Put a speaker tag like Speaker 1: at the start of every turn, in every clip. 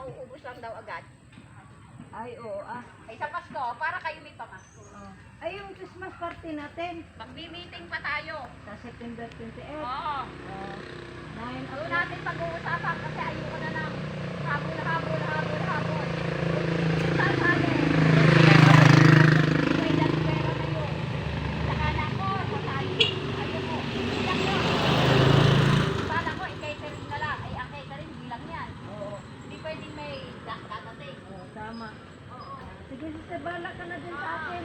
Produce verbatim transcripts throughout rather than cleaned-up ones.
Speaker 1: mauubos lang daw agad.
Speaker 2: Ay, oo ah.
Speaker 1: Ay sa Pasko, para kayo may pamasko.
Speaker 2: Oh. Ay, yung Christmas party natin.
Speaker 1: Magmi-meeting pa tayo.
Speaker 2: Sa September twenty-eighth.
Speaker 1: Oo.
Speaker 2: Oh. nine
Speaker 1: Doon
Speaker 2: o'clock.
Speaker 1: natin pag-uusapan kasi ayoko na ng habol, habol, habol, habol. Sasali. May pera na yun. Saka na ko, sasali. Ayoko. Bilang yun. Sana ko, i-catering na lang. Ay, ang catering, bilang yan.
Speaker 2: Oo.
Speaker 1: Hindi pwedeng may datating.
Speaker 2: Oh, tama. Sige, sister, bala ka na din sa akin.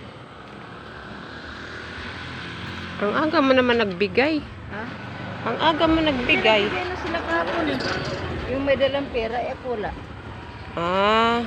Speaker 3: Ang aga mo naman nagbigay.
Speaker 2: Ha?
Speaker 3: Ang aga mo nagbigay.
Speaker 2: Bigay na sila kahapon eh. Yung may dalang pera, eh, wala.
Speaker 3: Ah.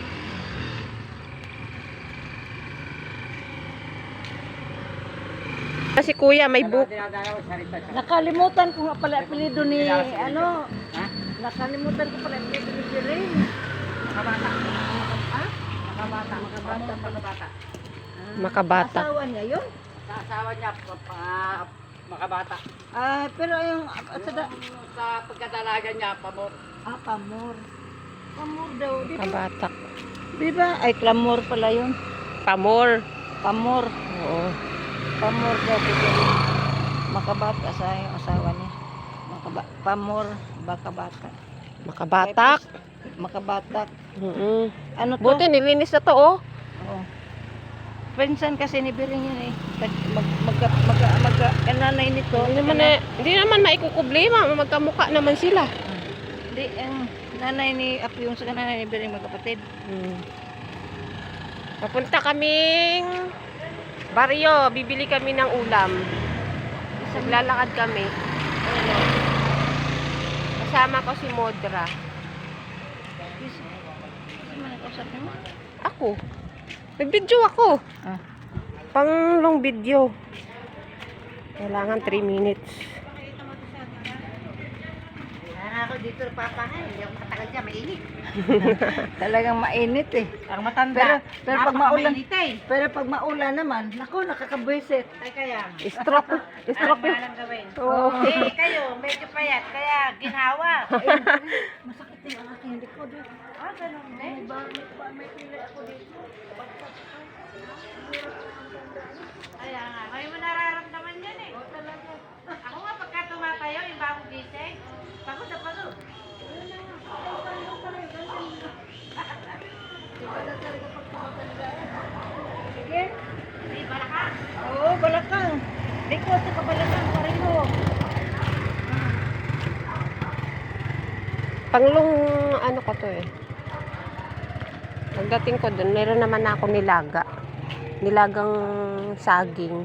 Speaker 3: Kasi kuya may book.
Speaker 2: Nakalimutan ko nga pala apelido ni, ano, nakalimutan ko pala apelido ni Jirin.
Speaker 1: Makabata.
Speaker 2: Ha?
Speaker 1: Makabata. Makabata. Makabata.
Speaker 3: Makabata.
Speaker 2: Asawa niya yun?
Speaker 1: Sa asawa niya, pa- pa- makabata.
Speaker 2: Ah, pero yung, at sa, da-
Speaker 1: Sa pagkadalaga niya, pamor.
Speaker 2: ah, pamor. Pamor daw, di ba?
Speaker 3: Makabatak.
Speaker 2: Di ba? Ay, clamor pala yun.
Speaker 3: Pamor.
Speaker 2: Pamor.
Speaker 3: Oo.
Speaker 2: Pamor daw si Jirin. Makabata sa yung asawa niya. Makaba pamor, bakabata.
Speaker 3: Makabatak.
Speaker 2: Makabatak.
Speaker 3: Mm.
Speaker 2: Ano to?
Speaker 3: Buti nilinis na to oh.
Speaker 2: Oo. Pinsan kasi ni Biring yun eh. Tag- Mag, mag, mag, mag, mag, nanay nito.
Speaker 3: Hindi naman na, hindi naman maikukublema, magkamukha naman sila.
Speaker 2: Hindi, ang nanay ni Apo yung sa nanay ni Biring magkapatid.
Speaker 3: Hmm. Papunta kaming baryo, bibili kami ng ulam. Naglalakad kami. Kasama ko si Modra.
Speaker 2: Kasi man nakausap mo?
Speaker 3: Ako. Nag-video ako.
Speaker 2: Ah.
Speaker 3: Pang long video. Kailangan three minutes.
Speaker 1: Kaya ako dito papahay, hindi ako makatagal dyan, mainit.
Speaker 2: Talagang mainit eh.
Speaker 1: Ang matanda.
Speaker 2: Pero, pero pag maulan,
Speaker 1: napakamainit eh.
Speaker 2: pero pag maulan naman, nako, nakakabwisit.
Speaker 1: Ay kaya,
Speaker 3: Stroke. Stroke yun.
Speaker 1: ang gawin.
Speaker 3: Oo.
Speaker 1: Eh, kayo, medyo payat, kaya ginhawa.
Speaker 2: Masakit din ang aking likod eh.
Speaker 1: Ah, ganun
Speaker 2: May
Speaker 1: din.
Speaker 2: ba, may, ba, may pilay ako dito.
Speaker 1: Kaya nga, ngayon mo nararamdaman yan eh.
Speaker 2: O talaga.
Speaker 1: Ako nga, pagka tumatayo, yung bagong gising, pagod na pagod.
Speaker 2: Sige.
Speaker 1: May balakang.
Speaker 2: Oo, balakang. Likod sa kabalakang, pareho.
Speaker 3: Panglong ano ko to eh. Pagdating ko dun, meron naman ako nilaga. Nilagang saging.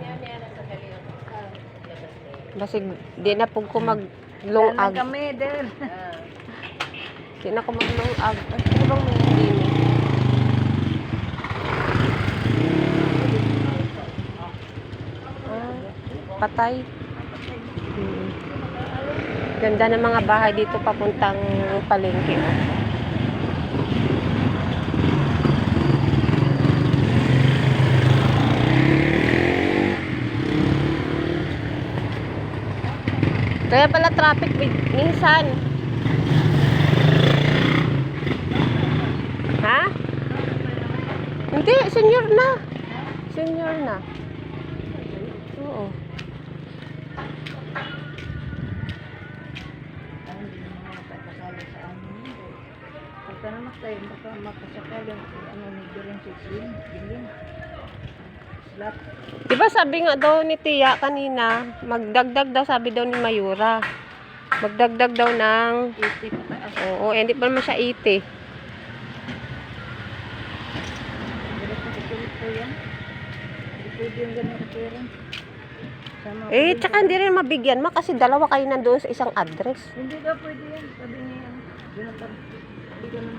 Speaker 3: Basig, di na po ko maglungag.
Speaker 2: Yan kami, Del.
Speaker 3: Di na ko maglungag. Ay, ano bang may hindi ni? Ah, patay. Hmm. Ganda ng mga bahay dito papuntang palengke. Oh. Kaya pala traffic min- minsan. Ha? Hindi, senior na. Senior na. Oo.
Speaker 2: Pagka naman tayo, baka makasakali ang ano ni Biring si Slim. Biling. Slap.
Speaker 3: Diba sabi nga daw ni Tia kanina, magdagdag daw sabi daw ni Mayura. Magdagdag daw ng,
Speaker 2: eighty pataas.
Speaker 3: oo, eh, hindi pa naman siya eighty.
Speaker 2: Bilis na kasulit po yan. Hindi pwede yung ganun kapera. Sama
Speaker 3: Eh,
Speaker 2: ko
Speaker 3: tsaka
Speaker 2: din
Speaker 3: hindi rin mabigyan ma kasi dalawa kayo nandoon sa isang address.
Speaker 2: sa- Hindi daw pwede yan. Sabi niya, Jonathan. Hindi ka naman.